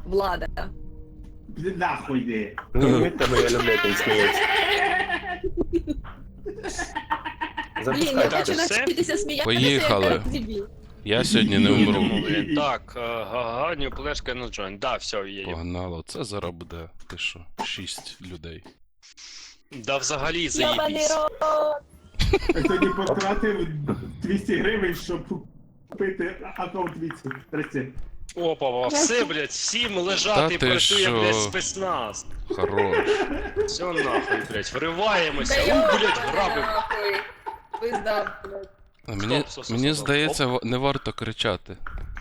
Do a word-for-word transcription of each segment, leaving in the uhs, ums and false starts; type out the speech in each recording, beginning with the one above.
Влада. Іди нахуй йди. Ну, від тебе я люблю, як він сміється. Блін, я Запускай. хочу все? навчитися сміятися, Поїхали. як дебіл. Я сьогодні не умру. Блін, так, Гаганю, плешка на джойн. Да, все, є. Погнало, це зараз буде, ти що, шість людей. Да взагалі Йобаний заїбісь. рот. Я сьогодні потратив двісті гривень, щоб купити аккаунт Віці. Здрасте. Опа, все, блядь, всім Та лежати, ти працює, що? блядь, спецназ. Хорош. Все нахуй, блядь, вриваємося. Да У, йобаний блядь, грабим. нахуй. Пизда, блядь. А мені, Стоп, стоп, стоп, мені стоп. здається, ва- не варто кричати.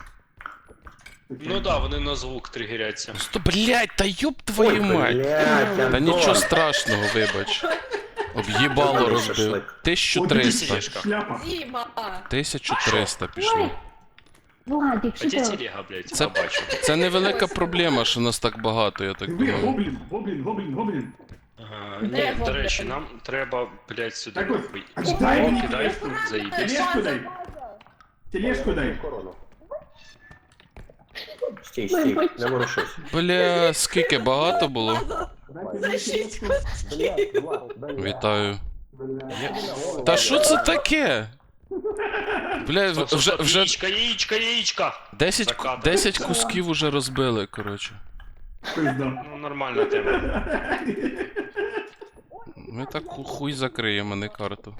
Ну да, вони на звук тригеряться. Сто, блядь, та ёб твою мать! Блядь, Та Антон. нічого страшного, вибач. Об'їбало Зробили розбив. шашлик. тисяча триста. Сидішка. Шляпа. Діма. тисяча триста пішло. Владик, А що де ти? телега, блядь, Це- я бачу. Це невелика проблема, що нас так багато, я так Ви думаю. гоблін, гоблін, гоблін, гоблін. Ага, Де ні, до гоблін? речі, нам треба, блядь, сюди Так от, нахуй. дай О, мені кидай, тележку. заїбісь. Тележку дай. Тележку дай. Корону. Стій, стій, не ворушись. Бля, скільки багато було? Дайте мені тележку. Вітаю. Та що це таке? Бля, Стоп, стоп, вже, стоп, вже яєчка, яєчка, яєчка! десять, За кадром. десять кусків уже розбили, коротше. Пизда. Ну, нормальна тема. Ми так ху- хуй закриємо, а не карту.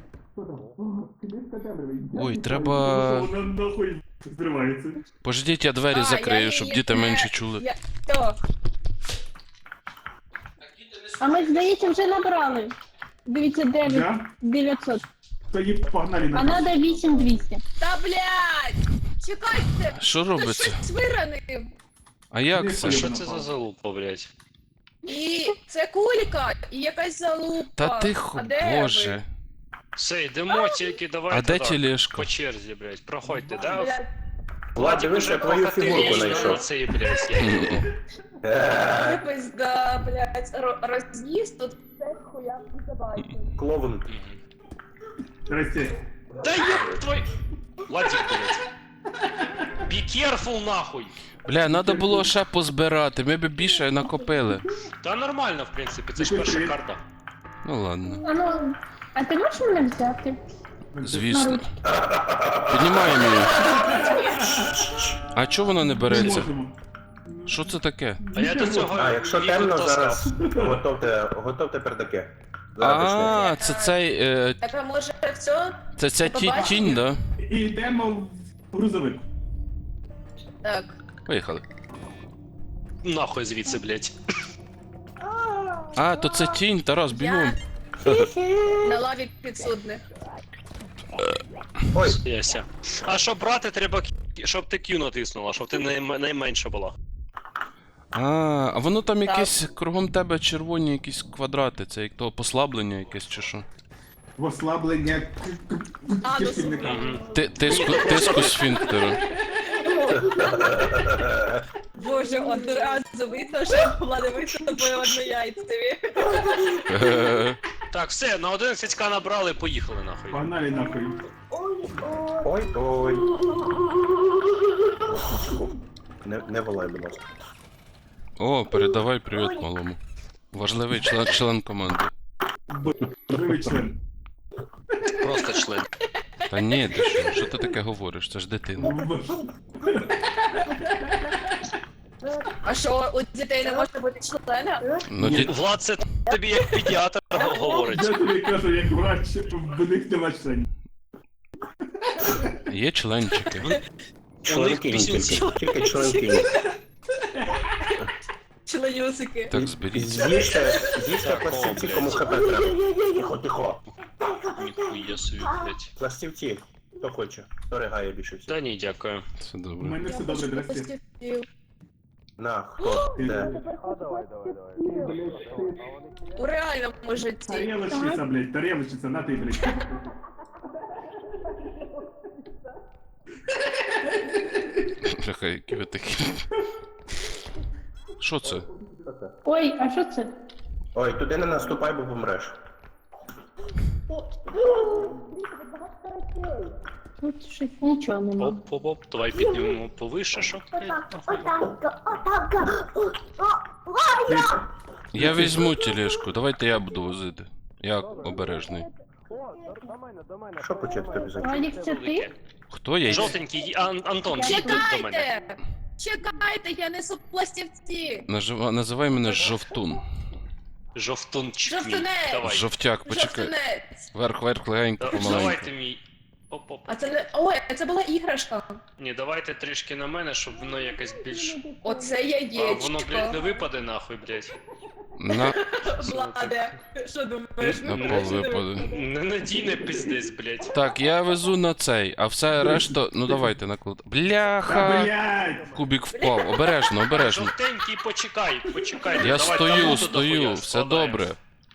Ой, треба- Вона нахуй зривається. Пождіть, я двері А, закрию, я щоб її діти не- менше чули. Я... Хто? А ми, здається, вже набрали. Дивіться, дев'ять Да? дев'ятсот. Тоді погнали А на надо вісім двісті. Та блядь! Чекайте! Що Хтось робиться? щось виранив. А як Не це? понял. Що це за залупа, блядь? І це кулька, і якась залупа. Та тихо, А де ви? боже. Все, йдемо тільки, давайте А де так, тележка? по черзі, блядь, проходьте, да? Блядь, Влад, дивись, я твою фігурку знайшов. Цей, блядь, я їбу. Е, ви пизда, блядь. Ро- Роз'їзд тут все хуя забачив. Клоун. Здрасте. Да ёб твой... Владик, блядь. Be careful, нахуй. Бля, треба було ще позбирати, ми б більше накопили. Та нормально, в принципі, це ж перша карта. Ну ладно, А ну, а ти можеш мене взяти? звісно. Піднімаємо її. А чого вона не Не береться? можемо. Що це таке? А я до цього А, якщо віку темно, таскав. зараз готовте, готовте пердаки. Зараз почнемо. А, це цей. е, Так, а може все? Це ця ті- тінь, да? І йдемо в грузовик. Так. Поїхали. Нахуй звідси, блядь. А, то це тінь, Тарас, бігом. Я на лаві підсудних. Ой, Яся. А щоб брати, треба, кі- щоб ти Q натиснула, щоб ти найм- найменша була. А, а воно там якесь кругом тебе червоні якісь квадрати, це як того послаблення якесь чи що? В ослаблення к- к- А, ну, кишківника. Мгм. Ти, тиску, тиску сфінктеру. Боже, одразу видно, що влада висадили однояйцеві. Е, Так, все, на одинадцять ка набрали, поїхали нахуй. Погнали нахуй. ой, ой. Не, не волай, будь ласка. О, передавай привіт малому. Важливий член, член команди. Живий член. Просто член. Та ні, ти що, що ти таке говориш? Це ж дитина. А що, у дітей не може бути члена? Ну, ді... Влад, це тобі як педіатр говорить. Я тобі кажу, як врач, в них нема членів. Є членчики. Членкінь пісюнці. тільки. Тільки членкінь. Членюсики. Так, зберіться. З'їжте, з'їжте Так, пластівці, о, блядь. кому хп треба. Тихо, тихо. Ніхуя собі, блядь. Пластівці. Хто хоче? Хто ригає більше всіх? Та ні, дякую. Все У добре. мене все добре, здрасте. На, хто? Де? У реальному житті. Тарелочниця, блядь, тарелочниця, на ти, блядь. Бляха, які ви такі. Що це? Ой, а що це? Ой, туди не наступай, бо помреш. Тут щось нічого нема. Оп-оп-оп, давай піднімемо повище, щоб... Я візьму тележку, давайте я буду возити. Я обережний. Що почати тобі за? Валік, це ти? Хто я? Жовтенький, Ан- Антон, їдь до мене. Чекайте! Чекайте, я несу пластівці! Нажива- Називай мене Жовтун. Жовтунчик мій, Жовтунець! давай. Жовтяк, почекай. Жовтинець! Верх, верх, легенько, Да- помаленьку. Давайте мій. Оп-оп. А це не. Ой, а це була іграшка. Ні, давайте трішки на мене, щоб воно якось більш... Оце А, яєчко. воно, блядь, не випаде нахуй, блядь. На, Владе, що думаєш? на пол випаде. Ненадійне пиздець, блядь. Так, я везу на цей, а все решта. Ну давайте наклад. Та, Бляха! блядь! Кубік впав. Обережно, обережно. Жовтенький, почекай, почекай. Я давай стою, там стою, дохуя все складаємо. добре.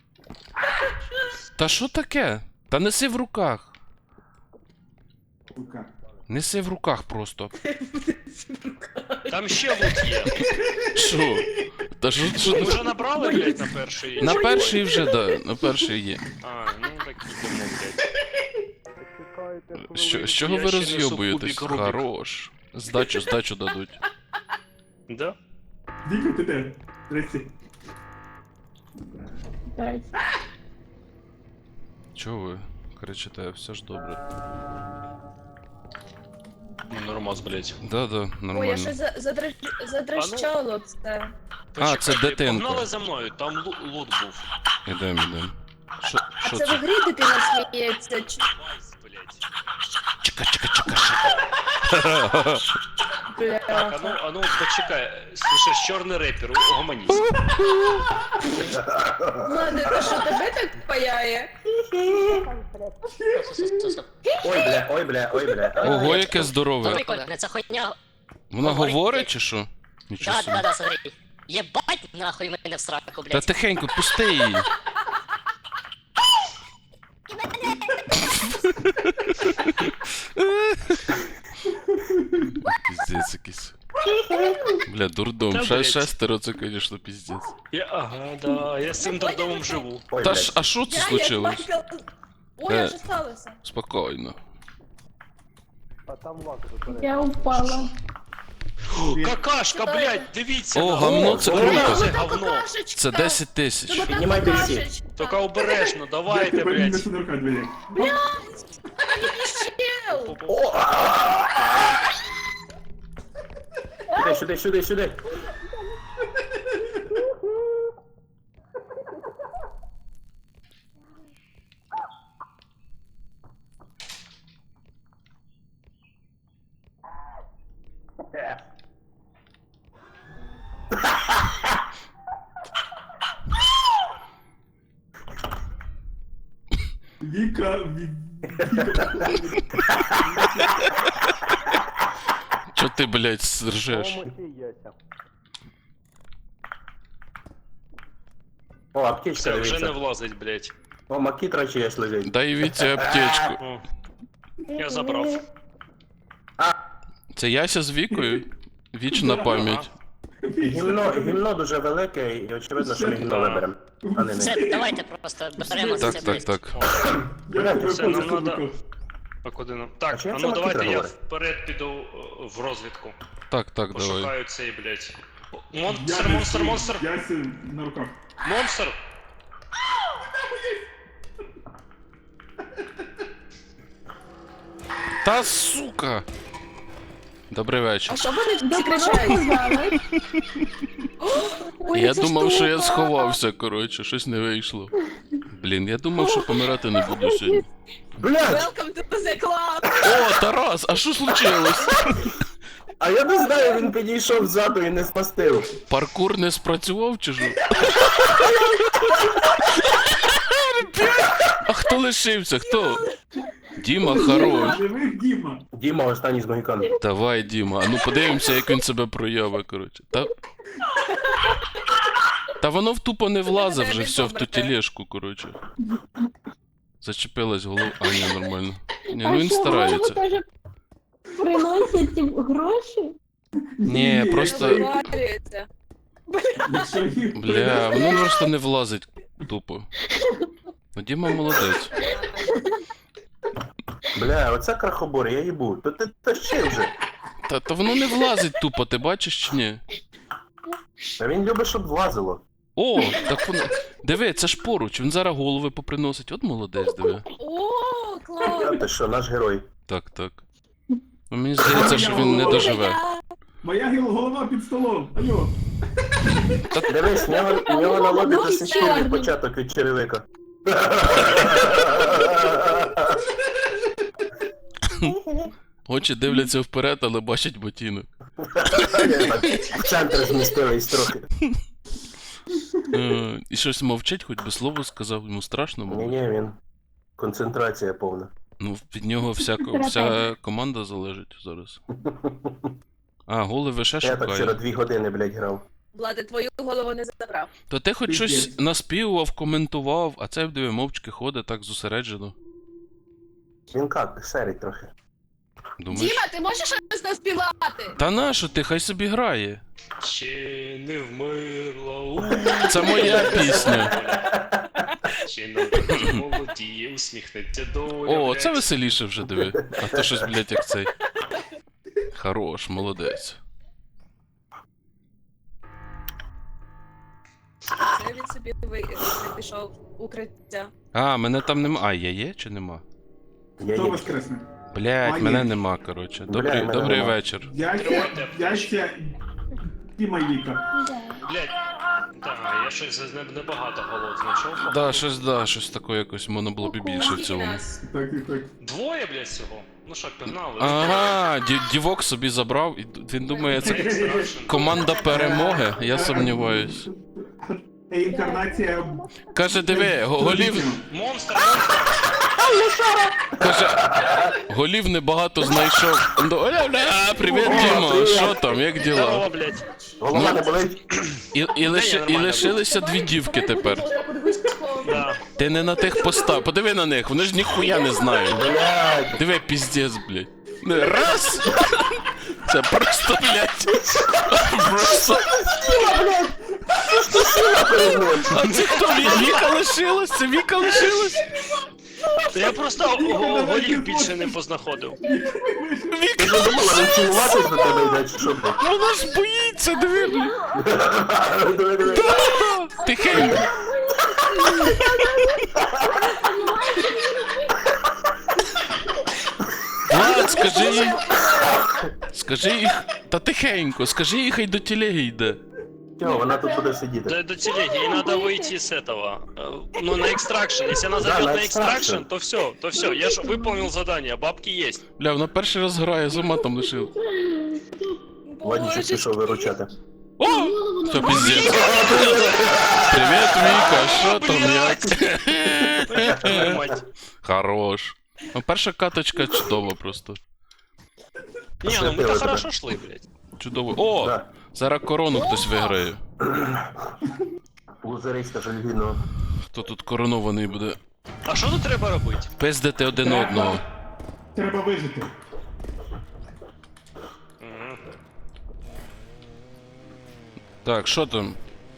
Та що таке? Та неси в руках. Сука. Неси в руках просто. Там ще лут є. Що? Та що, Ми що? вже набрали, блядь, на перший? На перший вже, да, на перший є. А, ну так ідемо, блядь. Що, з чого Я ви ще несу розйобуєтесь? кубик Рубік. Хорош. Здачу, здачу дадуть. Да? Віка, ти де? Здрасте. Дай. Чого ви кричите? Все ж добре. Ну, нормас, блядь. Да-да, Ой, я нормально. щось за- задриж- задрищало це. А, це Почекайте, дитинка. Погнали за мною, там лу- лут був. Ідем, ідем. Що, А що це в це? грі дитина сміється. чи- Вайс, блядь. Чека, чека, чека, чека. Так, а Бля. ну, а ну, почекай. Слушай, чорний репер, угомонісь. Владе, то що тебе так паяє? Ой, бля, ой, бля, ой, бля. Ого, яке здорове. Прикольно, це хуйня. Вона Говорить, говорить чи що? Нічого Да, собі. да, да, смотри. Єбать нахуй мене в сраку, Та блядь. тихенько, пусти її. Піздець якийсь. Бля, дурдом. Та, Ше- блядь. Шестеро, це, конечно, піздець. Я, ага, да, я з цим дурдомом живу. Ой, Та блядь. ж, а що це Я як случилось? Майкл. Ой, Е. а що сталося? Спокійно. Я упала. Какашка, блядь, дивіться. О, на- гавно, це О, круто. Це говно. Це десять тисяч. Піднімайте всі. Тільки обережно, давайте, Тепер він блядь. несу на руках, блядь. О! Сюди, сюди, сюди, сюди. Віка, Ві- Чо ти, блядь, ржеш? О, аптечка, Все, вже не дивіться. влазить, блядь. О, макітра чиясь лежить. Дай Віці аптечку. О, я забрав. Це Яся з Вікою? Вічна пам'ять. Гімно, гімно дуже велике, і очевидно, що ми гімно виберемо. А не не. Все, давайте просто беремо Так, це, так, блядь. так. Я Блядь, тебе все, нам просто надо- руках. А куди нам? А Так, чим а це ну давайте Макітра я говорить? вперед піду е, в розвідку. Так, так, давай. Пошукаю цей, блядь. Монстр, Я монстр, несу монстр! Ясі на руках. Монстр! Та сука! Добрий вечір. А що вони всі Добре, кричать? сказали. Ой, Я ця думав, що я штука. сховався, коротше, щось не вийшло. Блін, я думав, що помирати не буду сьогодні. Блядь! Welcome to the club! О, Тарас, а що случилось? А я не знаю, він підійшов ззаду і не спастив. Паркур не спрацював чи що? А хто лишився? Хто? Діма, хорош. Живих Діма. Діма, останній з могікан. Давай, Діма, а ну подивимося, як він себе проявить, коротше. Та... Та воно в тупо не влазить вже все в ту тележку, коротше. Зачепилась голова. А, ні, нормально. Ні, ну він А що, старається. голову теж приносять ці гроші? Ні, просто. Варюється. Якщо їх Бля, воно просто не влазить тупо. Ну, Діма молодець. Бля, оце крахобор, я їбу. То ти тащи вже. Та, та воно не влазить тупо, ти бачиш чи ні? А він любить, щоб влазило. О, так воно. Диви, це ж поруч, він зараз голови поприносить. От молодець, диви. О, клас! А ти що, наш герой. Так, так. Ну, мені здається, що він не доживе. Моя гіл- голова під столом. Алло. Дивись, в нього, в нього на лобі Ну, до сих пір від чорний. початок від черевика. Очі дивляться вперед, але бачать ботинок. В центр змістились трохи. Е, І щось мовчить, хоч би слово сказав, йому страшно було. Ні-ні, він. Концентрація повна. Ну, від нього вся, ко- вся команда залежить зараз. А, голови ще Я так вчора шукає. дві години, блядь, грав. Влади, твою голову не забрав. То ти хоч щось Пиздець. наспівував, коментував, а цей диви мовчки ходить так зосереджено. Він как, серить трохи. Думаєш? Діма, ти можеш щось наспівати? Та нащо ти, хай собі грає. Чи не вмерла у... Це моя пісня. Чи на такі молоді усміхнеться доля, О, блядь. це веселіше вже диви. А то щось, блядь, як цей. Хорош, молодець. Це він собі ви... ви- пішов в укриття. А, мене там нема. А, я є чи нема? Я Хто є. воскресне? Блядь, А, мене є. нема, коротше. Бля, Добрий, мене добрий нема. вечір. Я ще... Я ще... Діма Віка. Блядь, так, я щось не- небагато голод знайшов. Да, щось, да, щось таке якось, воно було б і більше в цілому. Нас. Так, так, так. Двоє, блядь, всього? Ну що, пігнали? Ага, ді- дівок собі забрав, і він думає, це Extraction. команда перемоги, я сумніваюсь. Інкарнація... Каже, диви, го- голів, Монстр, монстр! каже, голів небагато знайшов. Ну, оля, бля, привіт, Дімо, що там, як діла? Здорово, блядь. Голова Ну, не болить? І, і, лише, і лишилися дві дівки тепер. Да. Ти не на тих постав. Подиви на них, вони ж ніхуя не знають. Блядь. Диви, піздець, блядь. Не, раз! Це просто, блядь. Просто. А це хто? Ві- Віка лишилась? Це Віка лишилась? Та я просто го- голів більше не познаходив. Ти ж думала, він цілуватись до тебе йде, чи що? блядь? Вона ж боїться, диви, блядь. Диви, диви. Тихенько. Влад, скажи їй. Скажи їй. Та тихенько, скажи їй, хай до телеги йде. Чого, вона тут буде сидіти. До, до телеги, ей надо выйти с этого. э, Ну, на экстракшн. Если она Да, зайдет на на экстракшн, extraction. то все, то все. Я же выполнил задание, бабки есть. Бля, вона перший раз грає, з ума там лишив. Владічок Боже, пішов виручати. О! Все, піздець. Привіт, Віка, що там, як? Твою мать. Хорош. Ну, перша каточка чудова просто. Не, ну Освятила мы-то тебе. хорошо шли, блядь. Чудово. О! Да. Зараз корону хтось виграє. Лузериська жальгіно. Хто тут коронований буде? А що тут треба робити? Пиздити один одного. Треба вижити. Мгм. Так, що там?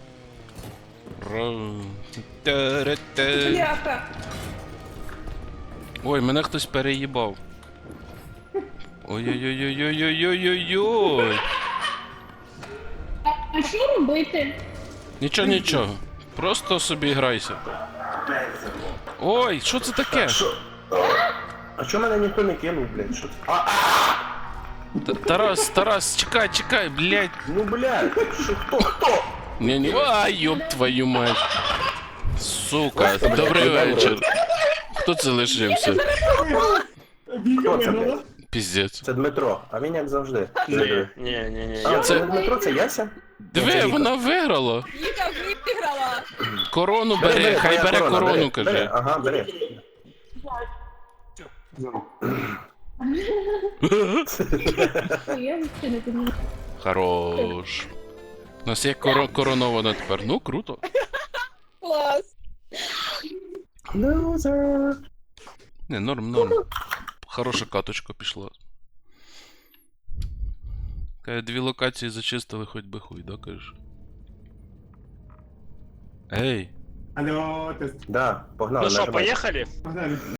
Ра- Та-ра-та. Бляха. Ой, мене хтось переїбав. Ой-ой-ой-ой-ой-ой-ой-ой. А що робити? Нічого, нічого. Просто собі грайся. Ой, що це таке? Що? А чого мене ніхто не кинув, блядь? Що це? А, Т- Тарас, Тарас, чекай, чекай, блядь. ну, блядь, що, хто, хто? Не, не, ай, ёб твою мать. Сука, Ой, добрий блядь, вечір. Хто це лишився? Віка Хто це, виграла. блядь? Піздець. Це Дмитро, а він як завжди. Не, не, не, не. А, Я... це не Дмитро, це Яся? Диви, Це вона виграла. Віка виграла. Корону бери, хай твоя бере корона, корону, бери, бери, кажи. Ага, бери. Я взагалі не розумію. Хорош. У нас є коро- коронована тепер. Ну, круто. Клас. Лузер. Не, норм, норм. Хороша каточка пішла. Каже, дві локації зачистили, хоч би хуй, да, кажеш? Ей! Алло, тест. Да, погнали, Ну что, нажимай. поехали? Погнали.